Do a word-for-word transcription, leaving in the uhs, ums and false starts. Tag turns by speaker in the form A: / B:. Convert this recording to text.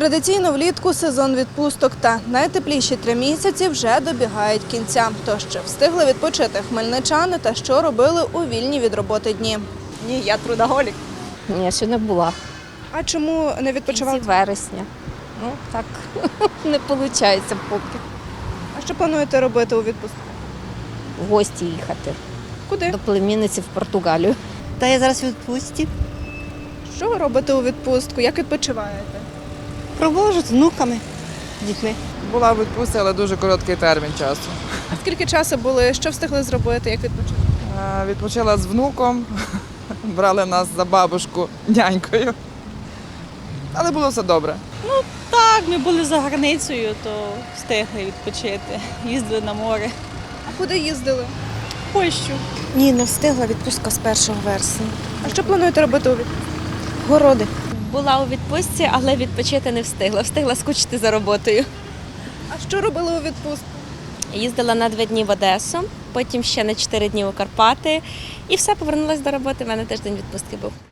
A: Традиційно влітку сезон відпусток та найтепліші три місяці вже добігають кінця. Тож чи встигли відпочити хмельничани та що робили у вільні від роботи дні?
B: Ні, я трудоголік.
C: Ні, ще не була.
A: А чому не
C: В
A: відпочивали?
C: кінці вересня. Ну, так не виходить поки.
A: А що плануєте робити у відпустку?
C: В гості їхати.
A: Куди?
C: До племінниці в Португалію.
D: Та я зараз у відпустці.
A: Що ви робите у відпустку? Як відпочиваєте?
D: Провожу з внуками, з дітьми.
E: Була в відпустці, але дуже короткий термін часу.
A: А скільки часу були? Що встигли зробити? Як відпочили?
E: Е, Відпочила з внуком, брали нас за бабушку нянькою. Але було все добре.
B: Так, ми були за границею, то встигли відпочити. Їздили на море.
A: А куди їздили?
B: В Польщу.
D: Ні, не встигла відпустка з першого вересня.
A: А що плануєте робити у відпустку?
D: Городи.
F: Була у відпустці, але відпочити не встигла. Встигла скучити за роботою.
A: А що робили у відпустку?
F: Їздила на два дні в Одесу, потім ще на чотири дні у Карпати. І все, повернулася до роботи. У мене теж день відпустки був.